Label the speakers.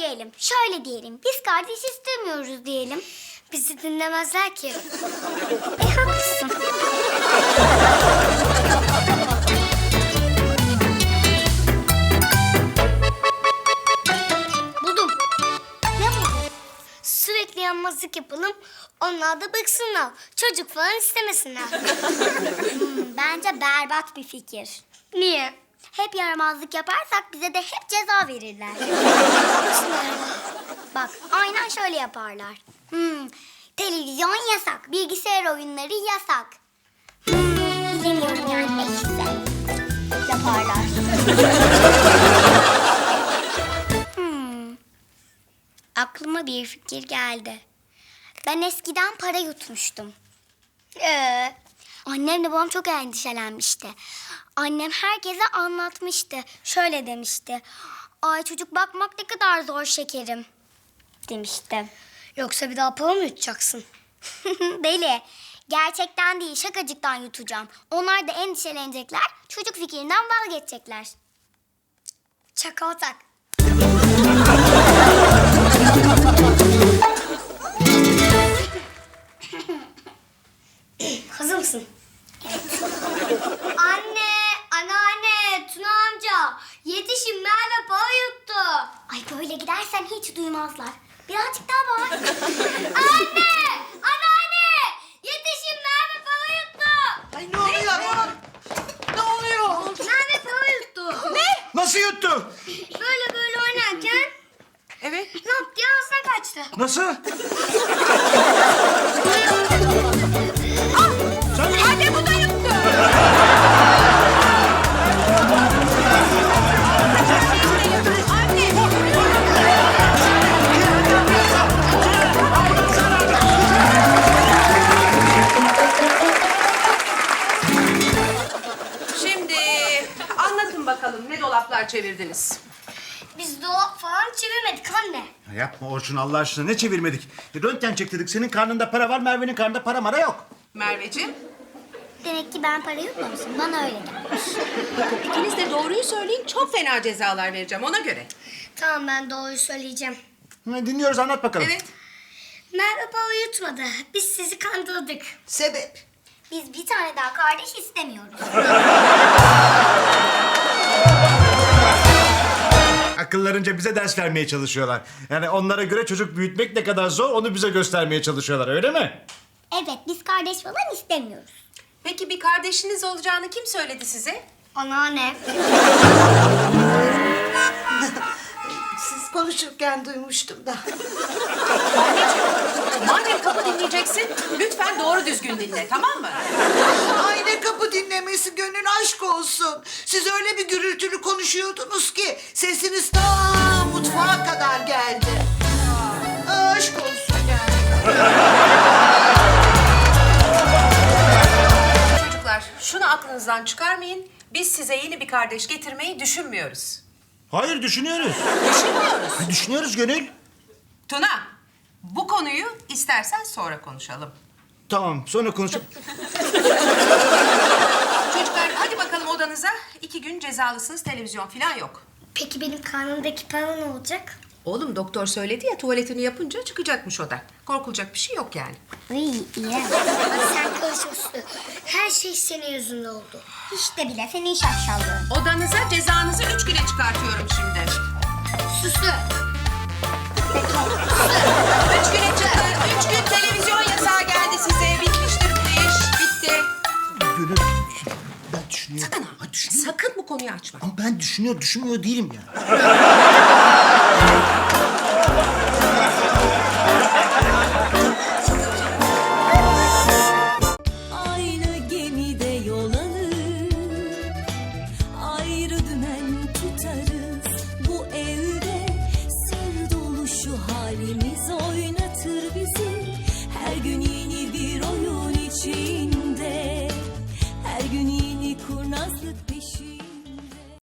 Speaker 1: söyleyelim. Şöyle diyelim. Biz kardeş istemiyoruz diyelim. Bizi dinlemezler ki. Haklısın. Buldum. Ne buldun? Sürekli yanmazlık yapalım. Onlar da bıksınlar. Çocuk falan istemesinler. Bence berbat bir fikir. Niye? Hep yaramazlık yaparsak bize de hep ceza verirler. Bak, aynen şöyle yaparlar. Televizyon yasak, bilgisayar oyunları yasak. Bilemiyorum yani neyse. Yaparlar. Aklıma bir fikir geldi. Ben eskiden para yutmuştum. Annemle babam çok endişelenmişti. Annem herkese anlatmıştı. Şöyle demişti. Ay çocuk bakmak ne kadar zor şekerim. Demişti. Yoksa bir daha para mı yutacaksın? Deli. Gerçekten değil, şakacıktan yutacağım. Onlar da endişelenecekler. Çocuk fikrinden vazgeçecekler. Çaka otak. Hazır mısın? Evet. Anne, anneanne, Tuna amca. Yetişin, Merve para yuttu. Ay böyle gidersen hiç duymazlar. Birazcık daha bağır. Anne, anneanne. Yetişin, Merve para yuttu.
Speaker 2: Ay ne oluyor? Ne oluyor?
Speaker 1: Merve para yuttu. Ne?
Speaker 2: Nasıl yuttu?
Speaker 1: Böyle oynarken
Speaker 2: Evet.
Speaker 1: ne yaptı? Ağzına kaçtı.
Speaker 2: Nasıl?
Speaker 3: Anne bu da yuttu.
Speaker 4: Şimdi anlatın bakalım ne dolaplar çevirdiniz?
Speaker 1: Biz dolap falan çevirmedik anne.
Speaker 2: Ya yapma Orçun Allah aşkına ne çevirmedik? Röntgen çektirdik. Senin karnında para var, Merve'nin karnında para mara yok.
Speaker 4: Merveciğim,
Speaker 1: Demek ki ben para yutmamışım. Bana öyle gelmiş.
Speaker 4: ikiniz de doğruyu söyleyin. Çok fena cezalar vereceğim ona göre.
Speaker 1: Tamam ben doğruyu söyleyeceğim.
Speaker 2: Dinliyoruz anlat bakalım.
Speaker 4: Evet.
Speaker 1: Merve para yutmadı. Biz sizi kandırdık.
Speaker 3: Sebep?
Speaker 1: Biz bir tane daha kardeş istemiyoruz.
Speaker 2: Akıllarınca bize ders vermeye çalışıyorlar. Yani onlara göre çocuk büyütmek ne kadar zor onu bize göstermeye çalışıyorlar öyle mi?
Speaker 1: Evet biz kardeş falan istemiyoruz.
Speaker 4: Peki bir kardeşiniz olacağını kim söyledi size?
Speaker 1: Anneanne.
Speaker 3: Siz konuşurken duymuştum da.
Speaker 4: Madem kapı dinleyeceksin, lütfen doğru düzgün dinle, tamam mı?
Speaker 3: Ay ne kapı dinlemesi gönül aşk olsun. Siz öyle bir gürültülü konuşuyordunuz ki sesiniz ta mutfağa kadar geldi. Aşk olsun yani.
Speaker 4: Çocuklar, şunu aklınızdan çıkarmayın. Biz size yeni bir kardeş getirmeyi düşünmüyoruz.
Speaker 2: Hayır düşünüyoruz.
Speaker 4: Düşünmüyoruz.
Speaker 2: Düşünüyoruz Gönül.
Speaker 4: Tuna, bu konuyu istersen sonra konuşalım.
Speaker 2: Tamam sonra konuşalım.
Speaker 4: Çocuklar hadi bakalım odanıza. 2 gün cezalısınız, televizyon falan yok.
Speaker 1: Peki benim karnımdaki para ne olacak?
Speaker 4: Oğlum doktor söyledi ya tuvaletini yapınca çıkacakmış o da. Korkulacak bir şey yok yani.
Speaker 1: İyi. Hadi sen karış Uslu. Her şey senin yüzünden oldu. Hiç de bile senin şaşallığın.
Speaker 4: Odanıza cezanızı 3 güne çıkartıyorum şimdi.
Speaker 1: Süslü.
Speaker 4: 3 güne çıkın. 3 gün televizyon yasağı geldi size. Bitmiştir bu iş. Bitti.
Speaker 2: Gönül ben düşünüyorum.
Speaker 4: Sakın ha.
Speaker 2: Ha, düşünüyorum.
Speaker 4: Sakın bu konuyu açma.
Speaker 2: Ama ben düşünmüyor değilim ya.